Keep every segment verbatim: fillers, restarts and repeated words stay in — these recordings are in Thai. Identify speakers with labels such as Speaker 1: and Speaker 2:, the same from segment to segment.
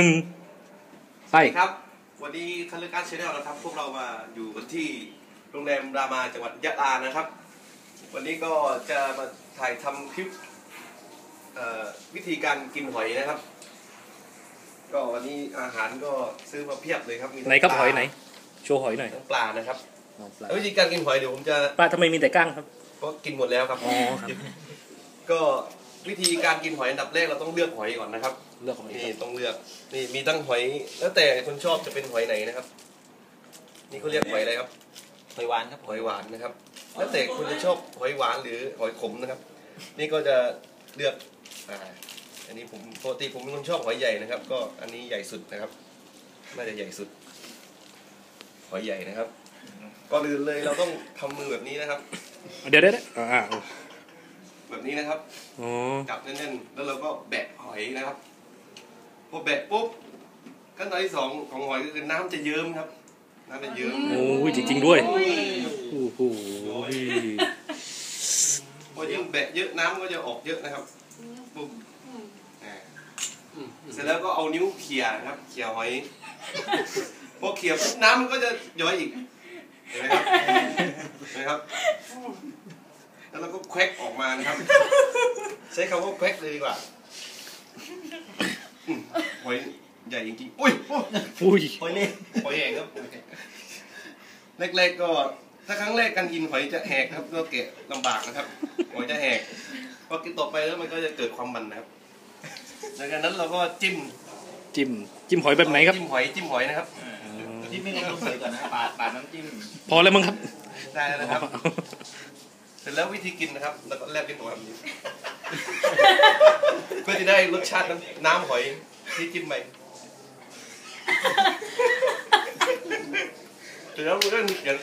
Speaker 1: นึ่งไป
Speaker 2: ครับวันนี้คันเลการชาแนลนะครับพวกเรามาอยู่กันที่โรงแรมรามาจังหวัดยะลานะครับวันนี้ก็จะมาถ่ายทำคลิปวิธีการกินหอยนะครับก็วันนี้อาหารก็ซื้อมาเพียบเลยครับมี
Speaker 1: ไหนครับหอยไหนโชว์หอยหน่อย
Speaker 2: ปลานะครับวิธีการกินหอยเดี๋ยวผมจะ
Speaker 1: ปลาทำไมมีแต่ก้างครับ
Speaker 2: ก็กินหมดแล้วครับอ๋อก็วิธีการกินหอยอันดับแรกเราต้องเลือกหอยก่อนนะครับ
Speaker 1: เลือกหอย
Speaker 2: นี่ต้องเลือกนี่มีตั้งหอยแล้วแต่คนชอบจะเป็นหอยไหนนะครับนี่เขาเรียกหอยอะไรครับ
Speaker 3: หอยหวานครับ
Speaker 2: หอยหวานนะครับแล้วแต่คุณจะชอบหอยหวานหรือหอยขมนะครับนี่ก็จะเลือกอ่าอันนี้ผมปกติผมเป็นคนชอบหอยใหญ่นะครับก็อันนี้ใหญ่สุดนะครับน่าจะใหญ่สุดหอยใหญ่นะครับก่อนอื่นเลยเราต้องทำมือแบบนี้นะครับ
Speaker 1: เดี๋ยวเดี๋ยวอ่า
Speaker 2: แบบนี้นะครับจับแน่นๆแล้วเราก็แบะหอยนะครับพอแบะปุ๊บขั้นตอนที่สองของหอยก็คือน้ำจะเยิ้มครับน้ำจะเยิ้ม
Speaker 1: โอ้ยจริงๆด้วยโอ้โห
Speaker 2: พอยิ่งแบะเยอะน้ำก็จะออกเยอะนะครับปุ๊บเสร็จแล้วก็เอานิ้วเขี่ยครับเขี่ยหอยพอเขี่ยปุ๊บน้ำมันก็จะย้อยอีกเห็นไหมครับเห็นไหมครับแล้วเราก็แควกออกมานะครับใช้คำว่าแควกเลยดีกว่าหอยใหญ่จริงๆอุ้ย
Speaker 1: อุ้ย
Speaker 2: หอยเล็กหอยแหกครับแรกๆก็ถ้าครั้งแรกการกินหอยจะแหกครับก็เกะลำบากนะครับหอยจะแหกพอกินต่อไปแล้วมันก็จะเกิดความมันนะครับจากนั้นเราก็จิ้ม
Speaker 1: จิ้มจิ้มหอยแบบไหนครับ
Speaker 2: จิ้มหอยจิ้มหอยนะครับ
Speaker 3: จิ้มไม่ต้องใส่ก่อนนะปาดปาดน้ำจิ้ม
Speaker 1: พอแล้วมั้งครับ
Speaker 2: ได้แล้วนะครับเสร็จแล้ววิธีกินนะครับแล้วก็แลบลิ้นออกมาแบบนี้เพื่อที่ได้รสชาติน้ำหอยที่จิ้มไปเสร็จแล้วมันก็อย่าง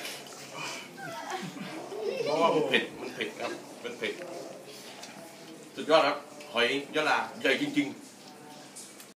Speaker 2: เพราะว่ามันเผ็ดมันเผ็ดครับมันเผ็ดสุดยอดครับหอยยะลาใหญ่จริงๆ